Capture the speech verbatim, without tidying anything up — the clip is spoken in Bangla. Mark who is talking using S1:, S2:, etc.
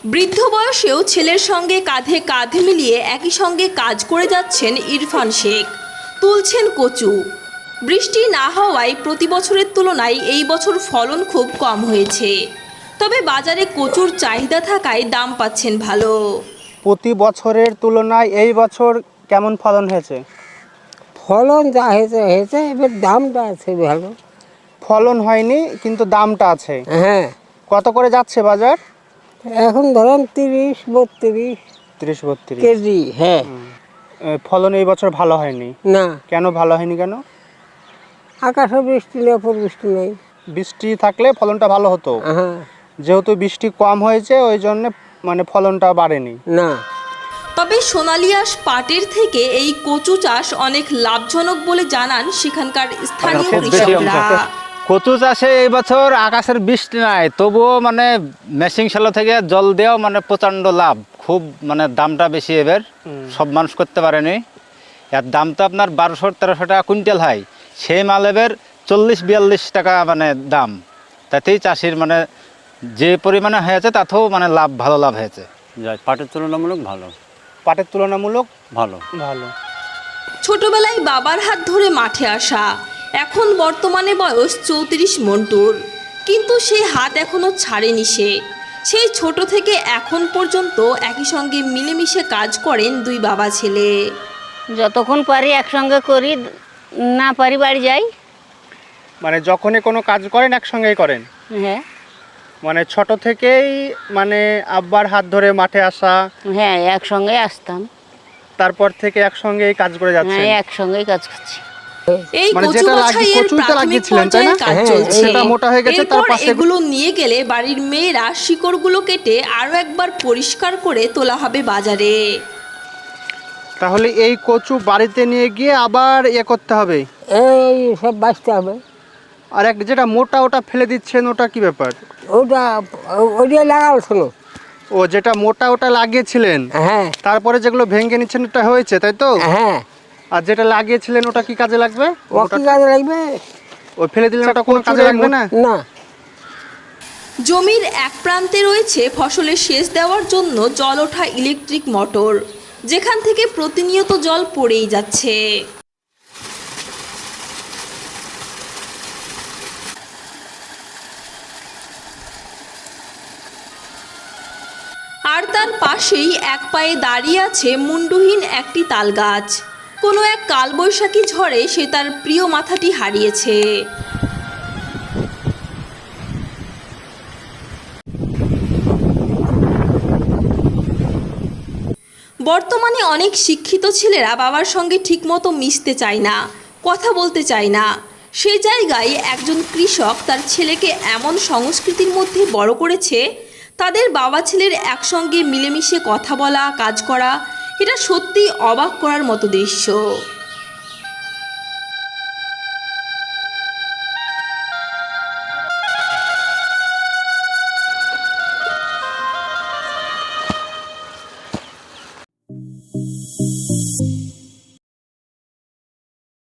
S1: বৃদ্ধ বয়সেও ছেলের সঙ্গে কাঁধে কাঁধে মিলিয়ে একই সঙ্গে কাজ করে যাচ্ছেন ইরফান শেখ। তুলছেন কচু। বৃষ্টি না হওয়ায় প্রতি বছরের তুলনায় এই বছর ফলন খুব কম হয়েছে। তবে বাজারে কচুর চাহিদা থাকায় দাম পাচ্ছেন ভালো।
S2: প্রতি বছরের তুলনায় এই বছর কেমন ফলন হয়েছে?
S3: ফলন যা হয়েছে হয়েছে, এবার দামটা আছে ভালো।
S2: ফলন হয়নি কিন্তু দামটা আছে।
S3: হ্যাঁ,
S2: কত করে যাচ্ছে বাজার?
S3: এখন ধরেন তিরিশ বত্রিশ
S2: তিরিশ বত্রিশ
S3: কেজি। হ্যাঁ,
S2: ফলন এই বছর ভালো হয়নি।
S3: না,
S2: কেন ভালো হয়নি কেন?
S3: আকাশে বৃষ্টি নেই, অপর বৃষ্টি নেই।
S2: বৃষ্টি থাকলে ফলনটা ভালো হতো।
S3: হ্যাঁ,
S2: যেহেতু বৃষ্টি কম হয়েছে ওই জন্য মানে ফলনটা বাড়েনি।
S3: না।
S1: তবে সোনালী আঁশ পাটের থেকে এই কচু চাষ অনেক লাভজনক বলে জানান সেখানকার স্থানীয় কৃষকরা।
S4: কচু চাষে এই বছর আকাশের বৃষ্টি নাই, তবুও মানে মেশিন শ্যালো থেকে জল দেওয়াও মানে প্রচণ্ড লাভ। খুব মানে দামটা বেশি এবার, সব মানুষ করতে পারেনি। এর দাম তো আপনার বারোশো তেরোশো টাকা কুইন্টাল হয়, সেই মাল এবার চল্লিশ বিয়াল্লিশ টাকা মানে দাম। তাতেই চাষির মানে যে পরিমাণে হয়েছে তাতেও মানে লাভ, ভালো লাভ হয়েছে।
S5: যায় পাটের তুলনামূলক ভালো।
S2: পাটের তুলনামূলক
S5: ভালো
S2: ভালো।
S1: ছোটবেলায় বাবার হাত ধরে মাঠে আসা, এখন বর্তমানে বয়স চৌত্রিশ মন্টুর, কিন্তু সেই হাত এখনো ছাড়েনি সে। সেই ছোট থেকে এখন পর্যন্ত একই সঙ্গে মিলেমিশে কাজ করেন দুই বাবা ছেলে।
S6: যতক্ষণ পারি একসঙ্গে করি, না পারি বাড়ি যাই।
S2: মানে যখনই কোনো কাজ করেন একসঙ্গেই করেন?
S6: হ্যাঁ,
S2: মানে ছোট থেকেই মানে আব্বার হাত ধরে মাঠে আসা,
S6: হ্যাঁ, একসঙ্গে আসতাম।
S2: তারপর থেকে একসঙ্গেই কাজ করে যাচ্ছেন?
S6: হ্যাঁ, একসঙ্গেই কাজ করছি।
S1: এই
S2: মানে
S1: কচু
S2: যেটা
S1: বাছাইয়ের
S2: লাগিয়ে- কচুটা
S1: প্রাথমিক
S2: লাগিয়েছিলেন, তাই না?
S1: পর্যায়ে কাজ
S3: হ্যাঁ,
S1: চলছে।
S2: সেটা মোটা হয়ে গেছে, তার
S1: এরপর
S2: পাশে-
S1: এগুলো নিয়ে গেলে বাড়ির মেয়েরা শিকড়গুলো কেটে আরো একবার পরিষ্কার করে তোলা হবে বাজারে।
S2: তাহলে এই কচু বাড়িতে নিয়ে গিয়ে আবার ইয়ে করতে হবে।
S3: এই সব বাঁচতে হবে।
S2: আর এক যেটা মোটা ওটা ফেলে দিচ্ছেন, ওটা কি ব্যাপার?
S3: ওটা ওটা লাগাল শোনো।
S2: ও যেটা মোটা ওটা লাগিয়েছিলেন,
S3: হ্যাঁ,
S2: তারপরে যেগুলো ভেঙে নিচ্ছেন ওটা হয়েছে, তাই তো?
S3: হ্যাঁ।
S2: আর যেটা লাগিয়েছিলেন ওটা কি কাজে লাগবে?
S3: ও কি কাজে লাগবে?
S2: ও ফেলে দিলেন, ওটা কোনো কাজে লাগবে না?
S3: না।
S1: জমির এক প্রান্তে রয়েছে ফসলের সেচ দেওয়ার জন্য জল ওঠা ইলেকট্রিক মোটর, যেখান থেকে প্রতিনিয়ত জল পড়েই যাচ্ছে। আর তার পাশেই এক পায়ে দাঁড়িয়ে আছে মুন্ডুহীন একটি তাল গাছ। কোনো এক কালবৈশাখী ঝড়ে সে তার প্রিয় মাথাটি হারিয়েছে। বর্তমানে অনেক শিক্ষিত ছেলেরা বাবার সঙ্গে ঠিকমতো মিশতে চায় না, কথা বলতে চায় না। সেই জায়গায় একজন কৃষক তার ছেলেকে এমন সংস্কৃতির মধ্যে বড় করেছে, তাদের বাবা ছেলের একসঙ্গে মিলেমিশে কথা বলা, কাজ করা, এটা সত্যি অবাক করার মতো দৃশ্য।